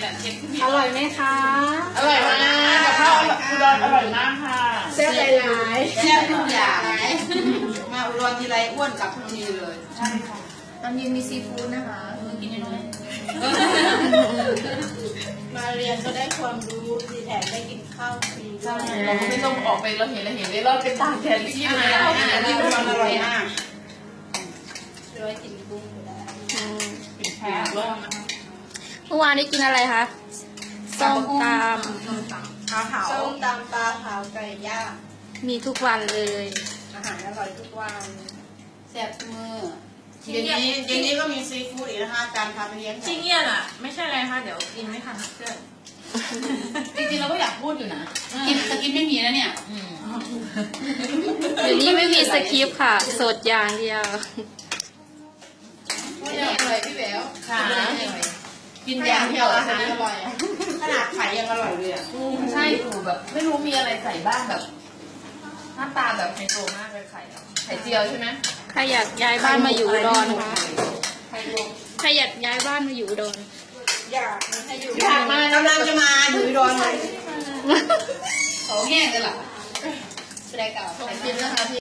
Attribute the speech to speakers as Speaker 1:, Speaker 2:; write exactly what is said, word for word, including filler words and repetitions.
Speaker 1: แหละเชฟ
Speaker 2: อร่อยไหมคะ
Speaker 1: อร่อยมากกับข้าวอุดรอร่อยมากค่ะ
Speaker 2: แซ่บหลายๆ
Speaker 3: แซ่บทุกอย่างมาอุดรทีไรอ้วนกลับทุกทีเลยใช่ค่ะ
Speaker 2: ตอนเย็นมีซีฟู้ดนะคะ
Speaker 1: กินยังไง
Speaker 2: มาเรียนก็ได้ความรู้ดีแถมได้กินข้าวฟรี
Speaker 1: ใช่เราไม่ต้องออกไปเราเห็นเราเห็นเลยเราเป็นตากแดดที่
Speaker 3: อา
Speaker 1: ไหน
Speaker 3: หารอาหารที่อุดรอร่อยมาก
Speaker 2: ด้วยกินกุ้งก็ได้
Speaker 1: กินแพ้ร่ม
Speaker 4: เมื่อวานนี้กินอะไรคะส้มต
Speaker 3: ข้าวเผา
Speaker 2: ส้มตำปลาเผาไก่ย่าง
Speaker 4: ำมีทุกวันเลย
Speaker 2: อาหารอร่อยทุกวัน
Speaker 3: แซ่บทุกมื้อเย็นนี้เย็นนี้ก็มีซีฟู้ดอีกนะคะจานพาไปเลี้ยง
Speaker 2: ที่เงียบอ่ะไม่ใช่อะไรค่ะเดี๋ยวกินไม่ทันเพื่อน
Speaker 1: จริงๆเราก็อยากพูดอยู่นะกินแต่กินไม่มีนะเนี่ย
Speaker 4: เดี๋ยวนี้ไม่มีสคริปต์ค่ะ สดอย่างเดียว
Speaker 3: อร่อยพี่แหวว
Speaker 1: ค่ะ
Speaker 3: กินอย่างเดียวอาหารอร่อยขนาดไข่ยังอร่อยเลยอ่ะ
Speaker 1: ใช่ถูแบบไม่รู้มีอะไรใส่บ้างแบบหน้าตาแบบไฮโซมากเลยไข่ไข่เจียวใช่ไหม
Speaker 4: ใครอยากย้ายบ้านมาอยู่อุดรคะ
Speaker 1: ไข่ลวก
Speaker 4: ใครอยากย้ายบ้านมาอยู่อุดร
Speaker 2: อยากให้อยู่
Speaker 3: อยากมากำลังจะมาอยู่อุดรเลย
Speaker 1: เขาแง่กันเหรอ
Speaker 2: แสดงกับ
Speaker 1: ขอบคุณนะคะพี่